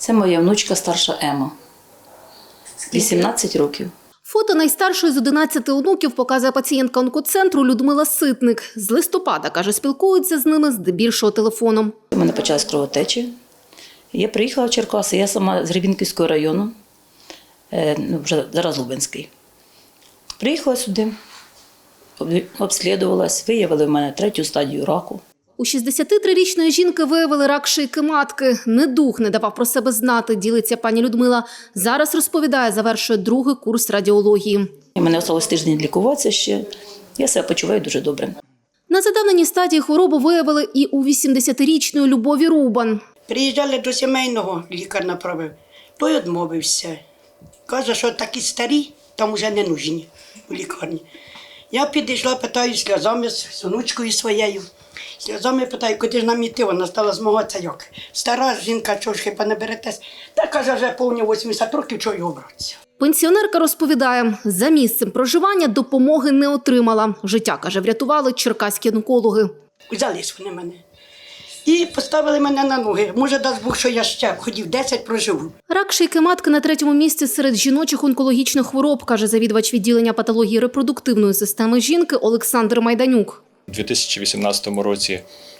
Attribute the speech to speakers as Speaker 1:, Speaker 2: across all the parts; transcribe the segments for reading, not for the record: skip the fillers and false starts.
Speaker 1: Це моя внучка старша Ема. 18 років.
Speaker 2: Фото найстаршої з 11 онуків показує пацієнтка онкоцентру Людмила Ситник. З листопада, каже, спілкується з ними здебільшого телефоном.
Speaker 1: У мене почалась кровотеча. Я приїхала в Черкаси, я сама з Гребінківського району, вже зараз Лубенський. Приїхала сюди, обслідувалась, виявили в мене 3-ю стадію раку.
Speaker 2: У 63-річної жінки виявили рак шийки матки. Недуг не давав про себе знати, ділиться пані Людмила. Зараз, розповідає, завершує 2-й курс радіології.
Speaker 1: У мене залишилось тиждень лікуватися ще. Я себе почуваю дуже добре.
Speaker 2: На задавненій стадії хворобу виявили і у 80-річної Любові Рубан.
Speaker 3: Приїжджали до сімейного, лікар направив. Той відмовився. Каже, що такі старі, там вже не нужні у лікарні. Я підійшла, питаю сльозами з онучкою своєю. Сльозами питаю, куди ж нам іти? Вона стала змагатися як. Стара жінка, чого ж хіба не беретесь? Та каже, вже повні 80 років, чого його братися.
Speaker 2: Пенсіонерка розповідає, за місцем проживання допомоги не отримала. Життя, каже, врятували черкаські онкологи.
Speaker 3: Взялись вони мене. І поставили мене на ноги. Може, дасть Бог, що я ще ходів 10 проживу.
Speaker 2: Рак шийки матки на 3-му місці серед жіночих онкологічних хвороб, каже завідувач відділення патології репродуктивної системи жінки Олександр Майданюк.
Speaker 4: У 2018 році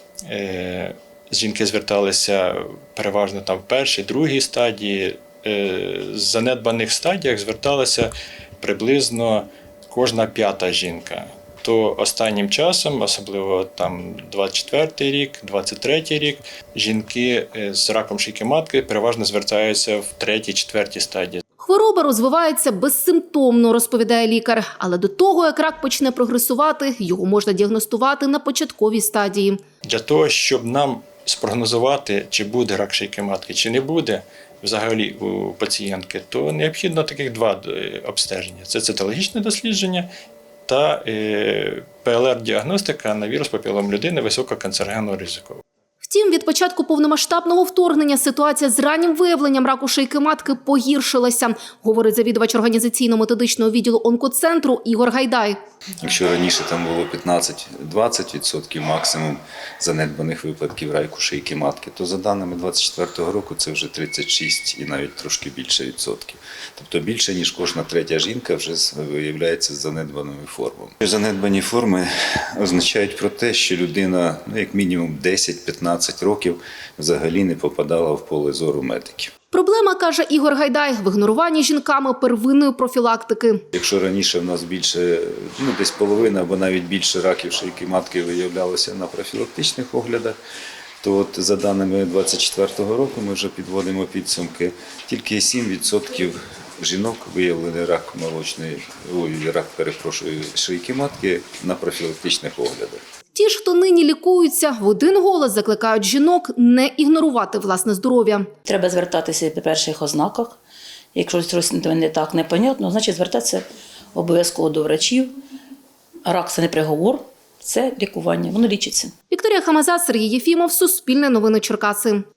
Speaker 4: жінки зверталися переважно там в 1-й, 2-й стадії. З занедбаних стадіях зверталася приблизно кожна 5-та жінка. То останнім часом, особливо там 24-й рік, 23-й рік, жінки з раком шийки матки переважно звертаються в 3-й, 4-й стадії.
Speaker 2: Хвороба розвивається безсимптомно, розповідає лікар. Але до того, як рак почне прогресувати, його можна діагностувати на початковій стадії.
Speaker 4: Для того, щоб нам спрогнозувати, чи буде рак шийки матки, чи не буде взагалі у пацієнтки, то необхідно таких 2 обстеження. Це цитологічне дослідження та ПЛР-діагностика на вірус папілом людини висококанцерогенного ризику.
Speaker 2: Втім, від початку повномасштабного вторгнення ситуація з раннім виявленням раку шийки матки погіршилася, говорить завідувач організаційно-методичного відділу онкоцентру Ігор Гайдай.
Speaker 5: Якщо раніше там було 15-20% максимум занедбаних випадків раку шийки матки, то за даними 2024 року це вже 36 і навіть трошки більше відсотків. Тобто більше, ніж кожна 3-я жінка вже виявляється з занедбаними формами. Занедбані форми означають про те, що людина, як мінімум 10-15 років взагалі не попадала в поле зору медиків.
Speaker 2: Проблема, каже Ігор Гайдай, в ігноруванні жінками первинної профілактики.
Speaker 5: Якщо раніше в нас більше, десь половина або навіть більше раків шийки матки виявлялося на профілактичних оглядах, то от за даними 2024 року ми вже підводимо підсумки, тільки 7% жінок виявили шийки матки на профілактичних оглядах.
Speaker 2: Ті ж, хто нині лікуються, в один голос закликають жінок не ігнорувати власне здоров'я.
Speaker 1: Треба звертатися при перших ознаках. Якщо щось не так, непонятно, значить звертатися обов'язково до врачів. Рак – це не приговор, це лікування, воно лічиться.
Speaker 2: Вікторія Хамаза, Сергій Єфімов, Суспільне новини Черкаси.